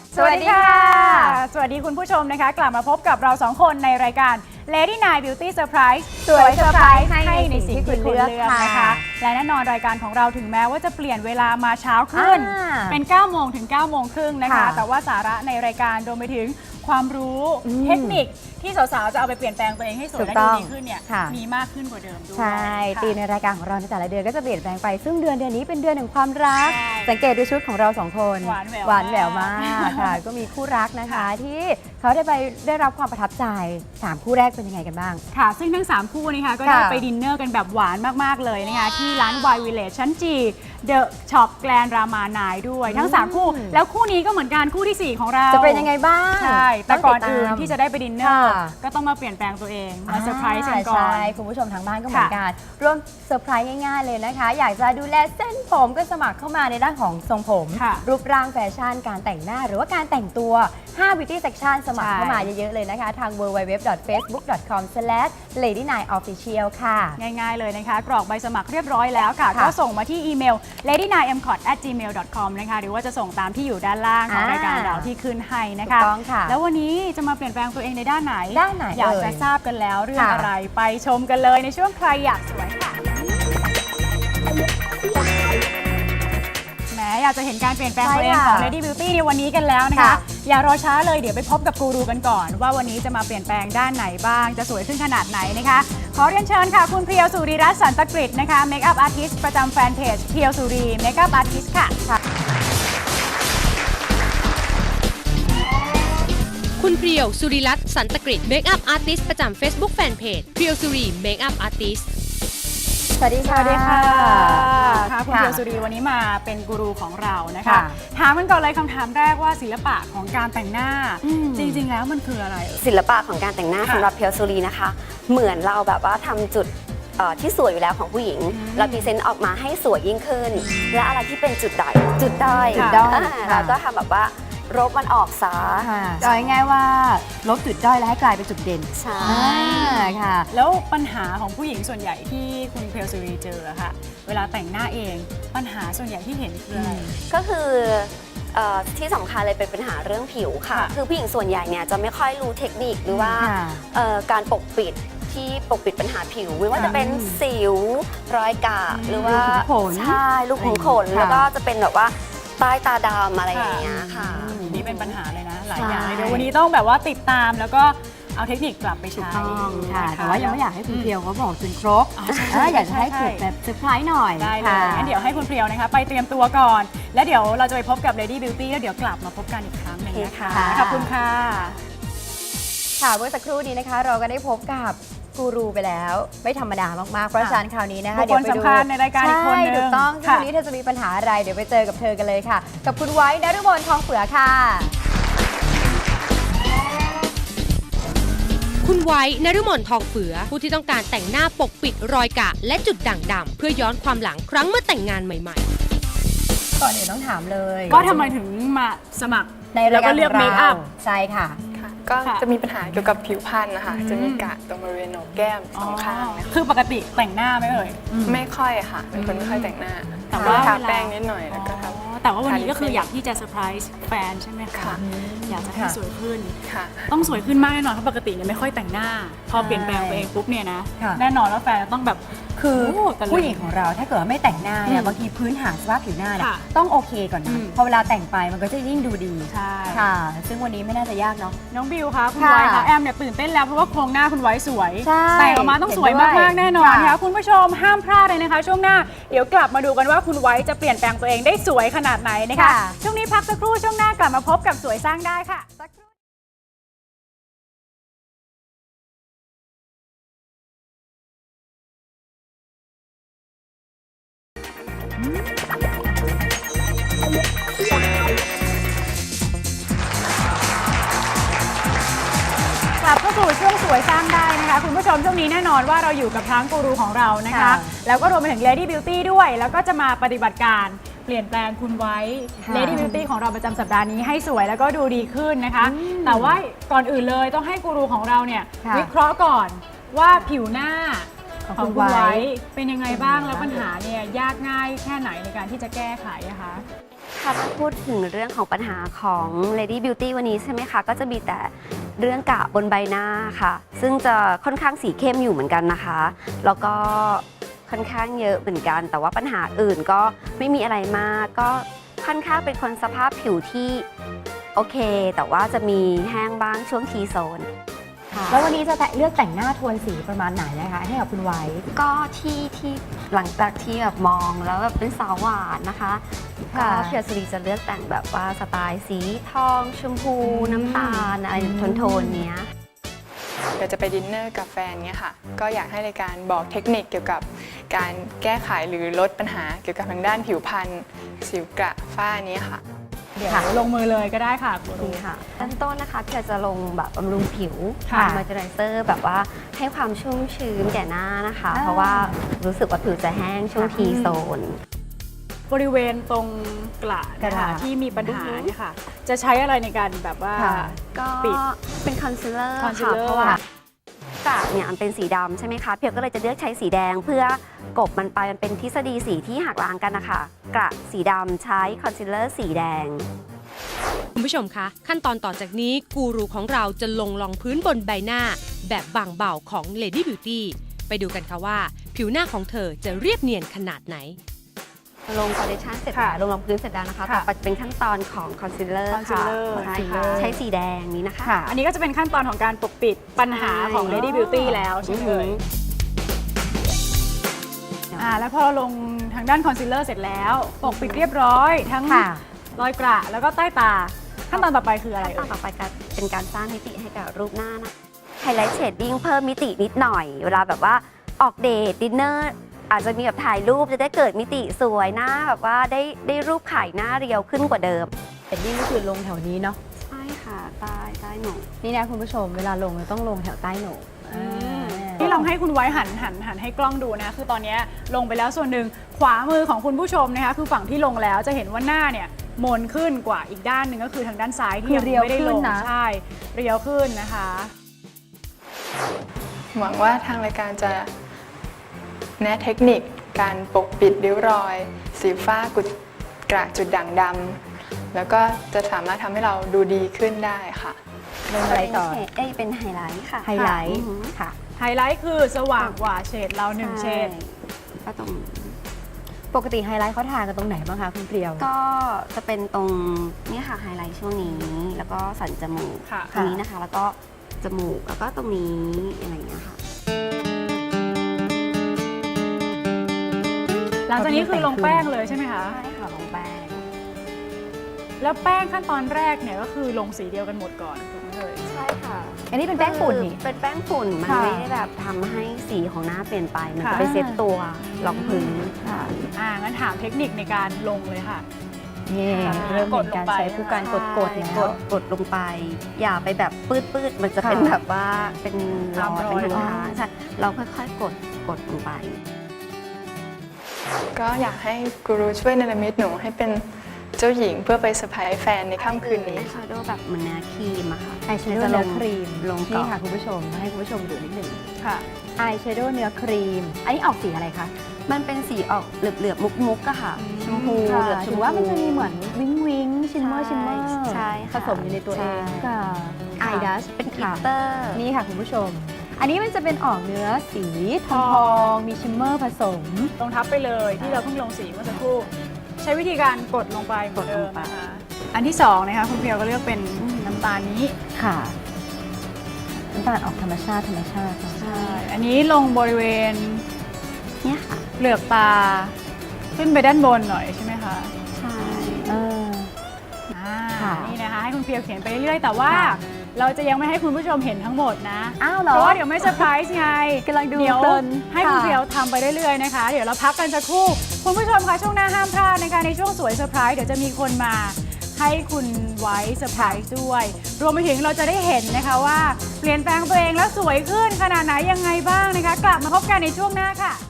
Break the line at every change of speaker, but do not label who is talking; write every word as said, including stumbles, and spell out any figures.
สวัสดีค่ะสวัสดีคุณผู้ชมนะคะกลับมาพบกับเราสองคนในรายการ Lady Nine Beauty Surprise
สวยเซอร์ไพรส์
ให้ในสิ่งที่คุณเลือกนะคะและแน่นอนรายการของเราถึงแม้ว่าจะเปลี่ยนเวลามาเช้าขึ้นเป็นเก้าโมงถึงเก้าโมงครึ่งนะคะแต่ว่าสาระในรายการรวมไปถึงความรู้เทคนิคที่สาวๆจะเอาไปเปลี่ยนแปลงตัวเองให้สวยและดูดีขึ้นเนี่ยมีมากขึ้นกว่าเดิมด้วย
ใช่ตีในรายการของเราในแต่ละเดือนก็จะเปลี่ยนแปลงไปซึ่งเดือนเดือนนี้เป็นเดือนแห่งความรักสังเกตดูชุดของเราสองคน
หวานแหวว
หวานแหววมากค่ะก็มีคู่รักนะคะที่เขาได้ไปได้รับความประทับใจสามคู่แรกเป็นยังไงกันบ้าง
ค่ะซึ่งทั้งสามคู่นะคะก็ได้ไปดินเนอร์กันแบบหวานมากๆเลยนะคะที่ร้าน วาย Village ชั้นจีเดอะช็อปแกลนรามานายด้วยทั้งสามคู่แล้วคู่นี้ก็เหมือนกันคู่ที่สี่ของเรา
จะเป็นยังไงบ้าง
ใช่แต่ก่อนอื่นที่จะได้ไปดินเนอร์ก็ต้องมาเปลี่ยนแปลงตัวเองมาเซอร์ไพรส์กันก่อน
ใช่คุณผู้ชมทางบ้านก็เหมือนกันร่วมเซอร์ไพรส์ง่ายๆเลยนะคะอยากจะดูแลเส้นผมก็สมัครเข้ามาในด้านของทรงผมรูปร่างแฟชั่นการแต่งหน้าหรือว่าการแต่งตัวห้า Beauty Section สมัครเข้ามาเยอะๆเลยนะคะทาง ดับเบิลยู ดับเบิลยู ดับเบิลยู ดอท เฟซบุ๊ก ดอท คอม สแลช เลดี้ไนน์ ออฟฟิเชียล ค่ะ
ง่ายๆเลยนะคะกรอกใบสมัครเรียบร้อยแล้วค่ะก็ส่งมาที่อีเมล เลดี้ไนน์ เอ็ม คอท แอท จีเมล ดอท คอม นะคะหรือว่าจะส่งตามที่อยู่ด้านล่างของรายการเราที่ขึ้นให้นะคะแล้ววันนี้จะมาเปลี่ยนแปลงตัวเองในด้านไหน
ด้านไหน
อยากจะทราบกันแล้วเรื่องอะไรไปชมกันเลยในช่วงใครอยากสวยค่ะแหมอยากจะเห็นการเปลี่ยนแปลงตัวเองของ Lady Beauty ในวันนี้กันแล้วนะคะอย่ารอช้าเลยเดี๋ยวไปพบกับกูรูกันก่อนว่าวันนี้จะมาเปลี่ยนแปลงด้านไหนบ้างจะสวยขึ้นขนาดไหนนะคะขอเรียนเชิญค่ะคุณเพียวสุริรัตน์สันตกฤตนะคะเมคอัพอาร์ติสต์ประจำแฟนเพจเพียวสุรีเมคอัพอาร์ติสต์ค่ะ
คุณเพียวสุริรัตน์สันตกฤตเมคอัพอาร์ติสต์ประจำ Facebook Fanpage เพียวสุรีเมคอัพอาร์ติสต์
สวัสดีค่ะ
สวัสดีค่ะค่ะคุณเพียวสุรีวันนี้มาเป็นกูรูของเรานะคะถามกันก่อนเลยคำถามแรกว่าศิลปะของการแต่งหน้าจริงๆแล้วมันคืออะไร
ศิลปะของการแต่งหน้าสำหรับเพียวสุรีนะคะเหมือนเราแบบว่าทำจุดที่สวยอยู่แล้วของผู้หญิงเราพรีเซนต์ออกมาให้สวยยิ่งขึ้นและอะไรที่เป็นจุดด้อยจุดด้อยเราก็ทำแบบว่าลบมันออกซะ
จะง่ายๆว่าลบจุดด้อยแล้วให้กลายเป็นจุดเด่น
ใช่
ค่ะ
แล้วปัญหาของผู้หญิงส่วนใหญ่ที่คุณเพียวสุรีเจอค่ะเวลาแต่งหน้าเองปัญหาส่วนใหญ่ที่เห็นคืออะไร
ก็คือที่สำคัญเลยเป็นปัญหาเรื่องผิวค่ะคือผู้หญิงส่วนใหญ่เนี่ยจะไม่ค่อยรู้เทคนิคหรือว่าการปกปิดที่ปกปิดปัญหาผิวไม่ว่าจะเป็นสิวรอยกระหรือว่าใช่ลูกขุมขนแล้วก็จะเป็นแบบว่าใต้ตาดำอะไรอย่างเงี้ยค่ะ
นี่เป็นปัญหาเลยนะหลายอย่างเลยเดี๋ยววันนี้ต้องแบบว่าติดตามแล้วก็เอาเทคนิคกลับไปใช้
ค่ะแต่ว่ายังไม่อยากให้คุณเพียวเขาบอกจนครบอยากจะให้เกิดแบบเซอร์ไพรส์หน่อย
ได้เลยงั้นเดี๋ยวให้คุณเพียวนะคะไปเตรียมตัวก่อนแล้วเดี๋ยวเราจะไปพบกับ Lady Beauty แล้วเดี๋ยวกลับมาพบกันอีกครั้งหนึ่งนะคะขอบคุณค่ะ
ค่ะเมื่อสักครู่นี้นะคะเราก็ได้พบกับกูรูไปแล้วไม่ธรรมดามากๆเพราะฉะนั้นคราวนี้นะคะ
เดี๋ยวไปดูในรายการอีกคนนึง
ถูกต้องที่วันนี้เธอจะมีปัญหาอะไรเดี๋ยวไปเจอกับเธอกันเลยค่ะกับคุณไว้นฤมลทองเฟือค่ะ
คุณไว้นฤมลทองเฟือผู้ที่ต้องการแต่งหน้าปกปิดรอยกระและจุดด่างดำเพื่อย้อนความหลังครั้งเมื่อแต่งงานใหม่
ๆก่อนอื่นต้องถามเลย
ว่าทำไมถึงมาสมัคร
ในรายการ
เลือกเมคอัพ
ใช่ค่ะ
ก็จะมีปัญหาเกี่ยวกับผิวพรรณนะคะจะมีกระตรงบริเวณโหนกแก้มสองข้าง
คือปกติแต่งหน้าไหมเอ่ย
ไม่ค่อยค่ะเป็นคนไม่ค่อยแต่งหน้า
แต่ว่า
ทาแป้งนิดหน่อยแล้วก็ทำ
แต่ว่าวันนี้ก็คืออยากที่จะเซอร์ไพรส์แฟนใช่ไหมคะอยากจะให้สวยขึ้นต้องสวยขึ้นมากแน่นอนเพราะปกติเนี่ยไม่ค่อยแต่งหน้าพอเปลี่ยนแปลงตัวเองปุ๊บเนี่ยนะแน่นอนว่าแฟนต้องแบบ
คือผู้หญิงของเราถ้าเกิดไม่แต่งหน้าเนี่ยบางทีพื้นฐานสภาพผิวหน้าเนี่ยต้องโอเคก่อนนะพอเวลาแต่งไปมันก็จะยิ่งดูดี
ใช่
ค่ะซึ่งวันนี้ไม่น่าจะยากเนาะ
น้องบิวคะคุณไว้คะแอมเนี่ยตื่นเต้นแล้วเพราะว่าโครงหน้าคุณไว้สวยแต่งออกมาต้องสวยมากๆแน่นอนนะคะคุณผู้ชมห้ามพลาดเลยนะคะช่วงหน้าเดี๋ยวกลับมาดูกันว่าคุณไว้จะเปลี่ยนแปลงตัวเองได้สวยขนาดไหนนะคะช่วงนี้พักสักครู่ช่วงหน้ากลับมาพบกับสวยสร้างได้ค่ะกลับเข้าสู่ช่วงสวยสร้างได้นะคะคุณผู้ชมช่วงนี้แน่นอนว่าเราอยู่กับทั้งกูรูของเรานะคะแล้วก็รวมไปถึง Lady Beauty ด้วยแล้วก็จะมาปฏิบัติการเปลี่ยนแปลงคุณไว้ Lady Beauty ของเราประจำสัปดาห์นี้ให้สวยแล้วก็ดูดีขึ้นนะคะแต่ว่าก่อนอื่นเลยต้องให้กูรูของเราเนี่ยวิเคราะห์ก่อนว่าผิวหน้าของคุณไว้เป็นยังไงบ้างแล้วปัญหาเนี่ยยากง่ายแค่ไหนในการที่จะแก้ไขนะคะ
ถ้าพูดถึงเรื่องของปัญหาของ Lady Beauty วันนี้ใช่ไหมคะ ก็จะมีแต่เรื่องกระบนใบหน้าค่ะ ซึ่งจะค่อนข้างสีเข้มอยู่เหมือนกันนะคะ แล้วก็ค่อนข้างเยอะเหมือนกัน แต่ว่าปัญหาอื่นก็ไม่มีอะไรมาก ก็ค่อนข้างเป็นคนสภาพผิวที่โอเค แต่ว่าจะมีแห้งบ้างช่วงทีโซน
แล้ววันนี้จะเลือกแต่งหน้าโทนสีประมาณไหนนะคะให้กับคุณไว้
ก็ที่ที่หลังจากที่แบบมองแล้วแบบเป็นสาวหวานนะคะก็
ค่ะ
เพียวสรีจะเลือกแต่งแบบว่าสไตล์สีทองชมพูน้ำตาลอะไรโทนๆเนี้ย
เดี๋ยวจะไปดินเนอร์กับแฟนเนี่ยค่ะ ก็อยากให้รายการบอกเทคนิคเกี่ยวกับการแก้ไขหรือลดปัญหาเกี่ยวกับทางด้านผิวพรรณสิวกระฝ้านี้ค่ะ
เดี๋ยวลงมือเลยก็ได้ค่ะกูรู
นี่ค่ะขั้นต้นนะคะเพียวจะลงแบบบำรุงผิว
ค่ะ
มอยเจอไรเซอร์แบบว่าให้ความชุ่มชื้นแก่หน้านะคะ
อ่า
เพราะว่ารู้สึกว่าผิวจะแห้งช่วงทีโซน
บริเวณตรงกระ
กระ
นะคะที่มีปัญหาเนี่ยค่ะ จะใช้อะไรในการแบบว่า
ค่ะ
ก็
ปิด
เป็นคอนซีลเลอร์
concealer
ค่ะเพราะว่ากระเนี่ยมันเป็นสีดำใช่ไหมคะเพียวก็เลยจะเลือกใช้สีแดงเพื่อกบมันไปมันเป็นทฤษฎีสีที่หักล้างกันนะคะกระสีดำใช้คอนซีลเลอร์สีแดง
คุณผู้ชมคะ ขั้นตอนต่อจากนี้กูรูของเราจะลงรองพื้นบนใบหน้า แบบบางเบาของ Lady Beauty ไปดูกันค่ะว่า ผิวหน้าของเธอจะเรียบเนียนขนาดไหน
ลงฟาวเดชั่นเสร็จ
ค่ะ
แล้วลงรองพื้นเสร็จแล้วนะคะ
ค่ะ
ต่อไปเป็นขั้นตอนของคอนซีลเลอร์ค่ะ
concealer
ใช่
ค่ะ
ใช้สีแดงนี้นะคะ
ค่ะ
อันนี้ก็จะเป็นขั้นตอนของการปกปิดปัญหาของ
ใช่
Lady Beauty แล้วใช่ไหมเอ่ยอ่าแล้วพอเราลงทางด้านคอนซีลเลอร์เสร็จแล้ว ปกปิดเรียบร้อย ทั้ง
ค่ะ
รอยกระแล้วก็ใต้ตา ขั้นตอนต่อไปคืออะไร
ขั้นตอ
เอ่
น
ย
ต่อไปก็เป็นการสร้างมิติให้กับรูปหน้านะไฮไลท์เชดดิ้งเพิ่มมิตินิดหน่อย เวลาแบบว่าออกเดทดินเนอร์อาจจะมีแบบถ่ายรูปจะได้เกิดมิติสวยหน้าแบบว่าได้ได้รูปไข่หน้าเรียวขึ้นกว่าเดิม
เอ็ดดี้ก็คือลงแถวนี้เนาะ
ใช่ค่ะใต้ใต้หนู
นี่นะคุณผู้ชมเวลาลงเราต้องลงแถวใต้โหนก
ที่ลองให้คุณไว้หันหันหันให้กล้องดูนะ คือตอนนี้ลงไปแล้วส่วนหนึ่งขวามือของคุณผู้ชมนะคะคือฝั่งที่ลงแล้วจะเห็นว่าหน้าเนี่ยมนขึ้นกว่าอีกด้านหนึ่งก็คือทางด้านซ้ายที่ยัง
คือเรียว
ไม่ได้
ขึ้
ล
น
ง
นะ
ใช่เรียวขึ้นนะคะ
หวังว่าทางรายการจะแนะเทคนิคการปกปิดริ้วรอย สีฟ้ากุดกระจุดด่างดำแล้วก็จะสามารถทำให้เราดูดีขึ้นได้ค่ะ
ลงอะไรต่อ
เป็นเฉดเอ้ยเป็นไฮไลท์ค่ะ
ไฮไลท์
อือหือ
ค่ะ
ไฮไลท์คือสว่างกว่าเฉดเราหนึ่งเฉด
ใช่ก็ตรง
ปกติไฮไลท์เขาทากันตรงไหนบ้างคะคุณเปรียว
ก็จะเป็นตรงนี่ค่ะไฮไลท์ช่วงนี้ แล้วก็สันจมูก
ค่ะ
ตรงนี้นะคะ แล้วก็จมูกแล้วก็ตรงนี้อะไรอย่างเงี้ยค่ะ
หลังจากนี้คือลงแป้งเลยใช่ไหมคะ
ใช่ค่ะลงแป้ง
แล้วแป้งขั้นตอนแรกเนี่ยก็คือลงสีเดียวกันหมดก่อนถูกไหมเอ่ย
ใช่ค่ะ
อันนี้เป็นแป้งฝุ่นนี่
เป็นแป้งฝุ่นมัน
ค่ะ
ไม่ได้แบบทำให้สีของหน้าเปลี่ยนไป มัน
ค่ะ
จะไปเซ็ตตัวรองพื้น
ค่ะ
อ่างั้นถามเทคนิคในการลงเลยค่ะ
นี่
ค่ะ
เริ่มเห็นการใช้ผู้การกดกด
ใช่
แล้ว
กดกดลงไป อย่าไปแบบปืดปืดๆมันจะเป็น
ค่ะ
แบบว่าเป็นรอย
ตามรอย
เป็นทาง
อ๋อ
ๆใช่เราค่อยๆกดกดลงไป
ก็อยากให้กูรูช่วยเนรมิตหนูให้เป็นเจ้าหญิงเพื่อไปเซอร์ไพรส์แฟนในค่ำคืนนี้
อายแชโดว์แบบเหมือนเนื้อครีมอะค่ะ
อายแชโดว์
จะล
เนื้อง ครีม
ลงก่
นี่
อน
ค่ะคุณผู้ชมให้คุณผู้ชมดูนิดหนึ่ง
ค่ะ
อายแชโดว์เนื้อครีม อันนี้ออกสีอะไรคะ
มันเป็นสีออกเหลือบๆมุกๆอะค่ะ
อืม
ชมพู
ค่ะ
เหลือบชม
ถื
พู
อว่ามันจะมีเหมือนวิงวิงชิมเมอร์ชิมเมอร์
ใช่
ผ
ค่ะ
สมอยู่ในตัวเอง
ใช่
ค่ะ
ไอดัชเป็นกลิตเตอร์
นี่ค่ะคุณผู้ชม อันนี้มันจะเป็นออกเนื้อสีทองทองมีชิมเมอร์ผสม
ลงทับไปเลยที่เราเพิ่งลงสีเมื่อสักครู่ ใช้วิธีการกดลงไปเหมือนเดิมนะคะอันที่สองนะคะคุณเพียวก็เลือกเป็นน้ำตาลนี้
ค่ะน้ำตาลออกธรรมชาติธรรมชาติเนอะ
ใช่อันนี้ลงบริเวณ
เนี่ยค่ะ
เปลือกตา ขึ้นไปด้านบนหน่อยใช่ไหมคะ
ใช่
เออ
อ่า
ค่ะ
นี่นะคะให้คุณเพียวเขียนไปเรื่อยๆแต่ว่า
ค่ะ
เราจะยังไม่ให้คุณผู้ชมเห็นทั้งหมดนะ
อ้าวเหรอ
เพราะว่าเดี๋ยวไม่เซอร์ไพรส์ไง
กำลังดู
เดี๋ยว
เพลิน
ให้คุณ
ค่ะ
เพียวทำไปเรื่อยๆนะคะ เดี๋ยวเราพักกันสักครู่ คุณผู้ชมคะช่วงหน้าห้ามพลาดนะคะในช่วงสวยเซอร์ไพรส์เดี๋ยวจะมีคนมาให้คุณไว้เซอร์ไพรส์ด้วย รวมไปถึงเราจะได้เห็นนะคะว่าเปลี่ยนแปลงตัวเองแล้วสวยขึ้นขนาดไหนยังไงบ้างนะคะ กลับมาพบกันในช่วงหน้าค่ะ